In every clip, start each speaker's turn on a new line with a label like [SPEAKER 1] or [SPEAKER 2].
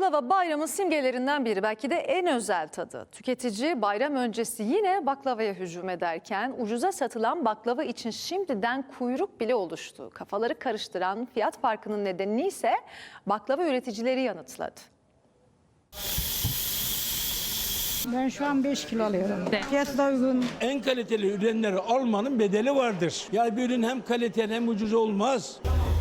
[SPEAKER 1] Baklava bayramın simgelerinden biri, belki de en özel tadı. Tüketici bayram öncesi yine baklavaya hücum ederken ucuza satılan baklava için şimdiden kuyruk bile oluştu. Kafaları karıştıran fiyat farkının nedenini ise baklava üreticileri yanıtladı.
[SPEAKER 2] Ben şu an 5 kilo alıyorum. Fiyatı da uygun.
[SPEAKER 3] En kaliteli ürünleri almanın bedeli vardır. Yani bir ürün hem kaliteli hem ucuz olmaz.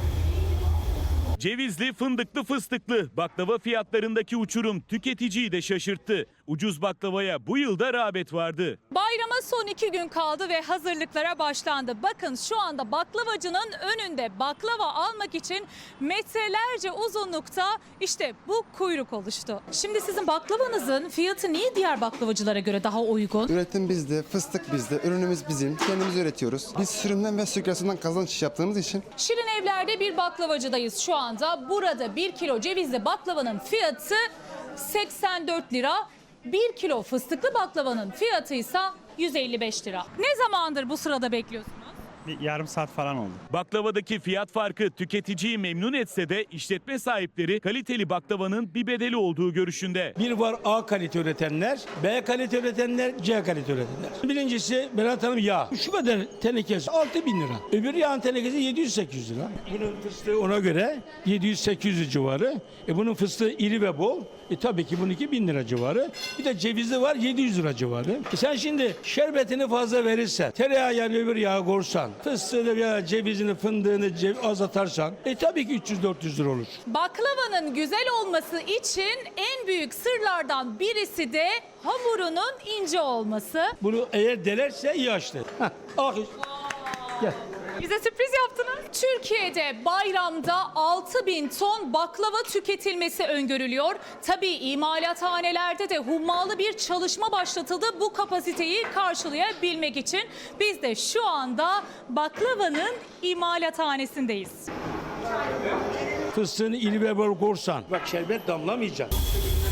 [SPEAKER 4] Cevizli, fındıklı, fıstıklı baklava fiyatlarındaki uçurum tüketiciyi de şaşırttı. Ucuz baklavaya bu yılda rağbet vardı.
[SPEAKER 5] Bayrama son 2 gün kaldı ve hazırlıklara başlandı. Bakın şu anda baklavacının önünde baklava almak için metrelerce uzunlukta işte bu kuyruk oluştu. Şimdi sizin baklavanızın fiyatı niye diğer baklavacılara göre daha uygun?
[SPEAKER 6] Üretim bizde, fıstık bizde, ürünümüz bizim. Kendimiz üretiyoruz. Biz sürümden ve sükrasından kazanç yaptığımız için.
[SPEAKER 5] Şirin Evler'de bir baklavacıdayız şu anda. Burada 1 kilo cevizli baklavanın fiyatı 84 lira. 1 kilo fıstıklı baklavanın fiyatı ise 155 lira. Ne zamandır bu sırada bekliyorsunuz?
[SPEAKER 7] Bir yarım saat falan oldu.
[SPEAKER 4] Baklavadaki fiyat farkı tüketiciyi memnun etse de işletme sahipleri kaliteli baklavanın bir bedeli olduğu görüşünde.
[SPEAKER 3] Bir var A kalite üretenler, B kalite üretenler, C kalite üretenler. Birincisi Berat Hanım yağ. Şu kadar tenekesi 6.000 lira. Öbür yağın tenekesi 700-800 lira. Bunun fıstığı ona göre 700-800 civarı. Bunun fıstığı iri ve bol. Tabii ki bununki 1000 lira civarı. Bir de cevizli var 700 lira civarı. Sen şimdi şerbetini fazla verirsen, tereyağı yani öbür yağı korsan, fıstığını veya cevizini, fındığını az atarsan tabii ki 300-400 lira olur.
[SPEAKER 5] Baklavanın güzel olması için en büyük sırlardan birisi de hamurunun ince olması.
[SPEAKER 3] Bunu eğer delerse iyi açtı. Ah, gel.
[SPEAKER 5] Bize sürpriz yaptınız. Türkiye'de bayramda 6.000 ton baklava tüketilmesi öngörülüyor. Tabii imalathanelerde de hummalı bir çalışma başlatıldı bu kapasiteyi karşılayabilmek için. Biz de şu anda baklavanın imalathanesindeyiz.
[SPEAKER 3] Fıstığını iri ve bol korsan. Bak şerbet damlamayacak.